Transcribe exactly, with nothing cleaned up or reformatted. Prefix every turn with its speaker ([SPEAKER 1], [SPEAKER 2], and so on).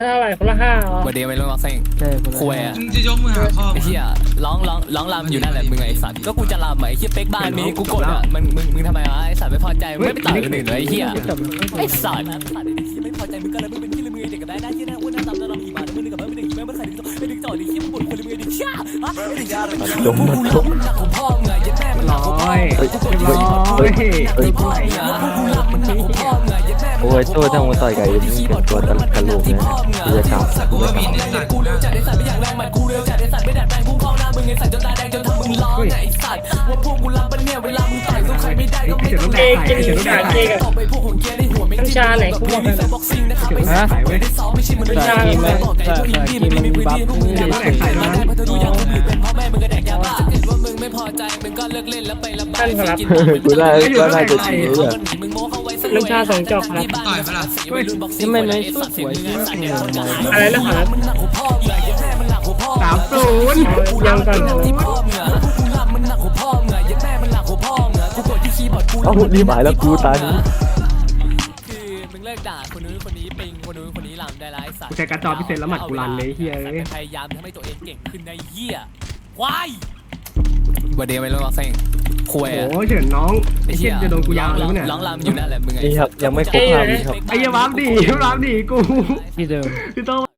[SPEAKER 1] เท่าไหร่คนละห้าเหรอ
[SPEAKER 2] วันเดียวไม่รู้ว่าเซ็ง
[SPEAKER 3] ใช่คนละ
[SPEAKER 2] คุยอะ
[SPEAKER 4] มึงจะยกมือหาพ่อ
[SPEAKER 2] ไอ้เหี้ยร้องร้องร้องรำอยู่นั่นแหละมึงไอ้สัตว์ก็กูจะรำไอ้เหี้ยเป๊กบ้านนี้กูกดอ่ะมึงมึงมึงทำไมวะไอ้สัตว์ไม่พอใจมึงไม่ไปต่อยคนอื่นเลยไอ้เหี้ยไอ้สัตว์ไม่พอใจมึงก็เลยมึงเป็นที่ละมือเด็กกับได้หน้าที่หน้าอ้วนหน้าตำหน้าดำอีมาแล้วมึงนึกกับมึงไม่ได้ไม่ไม่เคยดึงต่อไม่ดึงต่อดิเหี้ยมึงบ่นคนละมือดิเหี้ยฮะไอ้เหี้ยจมมันจมมันหนักของพ่อไงยัดแม่มันหนักของพ่อเฮ้ยเฮ้ยเฮ้ยเฮ้ยพ่อไงกูรักมันหนักของพ่อไงยัดแม่มัน
[SPEAKER 3] โอ้ยตัวทั้งมันต่อยไก่มึงเป็นตัวตลกตลกนะกูจะกลับ
[SPEAKER 4] กูก็มีในสัตว์
[SPEAKER 2] กูเร็วจัดไอ้สัตว์ไม่อยากแรงมันกูเร็วจัดไอ้สัตว์ไม่ดัดแปลงพุ่งเข้าหน้ามึงไอ้สัตว์จนตาแดงจนทำมึงร้องไอ้สัตว์ว่าพวกกูรับมันเนี่ยเวลามึงต่อยสู้ใครไม่ได้ก็ไม่ต้อง
[SPEAKER 1] เกย์เกย์ด่าเกย์กับ
[SPEAKER 2] ต่อไปพวกหัวเกียร์ในหัวไม่
[SPEAKER 1] น้ำชาไหนกูบอกเลย
[SPEAKER 2] บ็อกซิ่งนะครับไม่ใช่ไม่ได้ซ้อมไม่ใช่มันเป็นยาบอกไก่พวกอินดี้มันมีพื้นที่พวกมึงอยากได้มาได้เพราะเธอดูอย่างมึงเป็นพ่อแม่มึงก็แดกยาบ้าถ้าเกิดว่ามึงไม่พอใจมึงก็เลิกเล่นแล้วไประบายกิน
[SPEAKER 3] กูได้ก็น่าจะชี้เลย
[SPEAKER 1] น้ำชาสองจอกครับ
[SPEAKER 4] ต่อยปะล่ะ
[SPEAKER 3] ทำไมไม่สู้สวยที่สุด
[SPEAKER 1] อะไรนะครับ
[SPEAKER 4] สามศูนย์
[SPEAKER 1] ยังก่อน
[SPEAKER 3] เอ้ารีบหายแล้วกูตานี้
[SPEAKER 2] คือมึงเลิกด่าคนนู้นคนนี้ปิงคนนู้นคนนี้ลำได้ไรสัตว์
[SPEAKER 5] กูใช้การ์ดจอพิเศษแล้วหมัดกูรันเลยเฮีย
[SPEAKER 2] พยายามทำให้ตัวเองเก่งขึ้นในเหี้ยควายวันเดียวไม่รู้ว่าเซ็งคุย
[SPEAKER 5] โอ้
[SPEAKER 2] อะ
[SPEAKER 5] โหเฉินน้องไอ้เชี่ยจะโดนกูยาวเลยมั้ยเนี่ย
[SPEAKER 2] ร้องรำอยู่นั่นแหละมึงไง
[SPEAKER 3] นี่ครับยังไม่ครบห้าวิครับ
[SPEAKER 5] ไอ้เหี้ยวับดิวับดิกู
[SPEAKER 3] ที่เดิม
[SPEAKER 5] พี่โต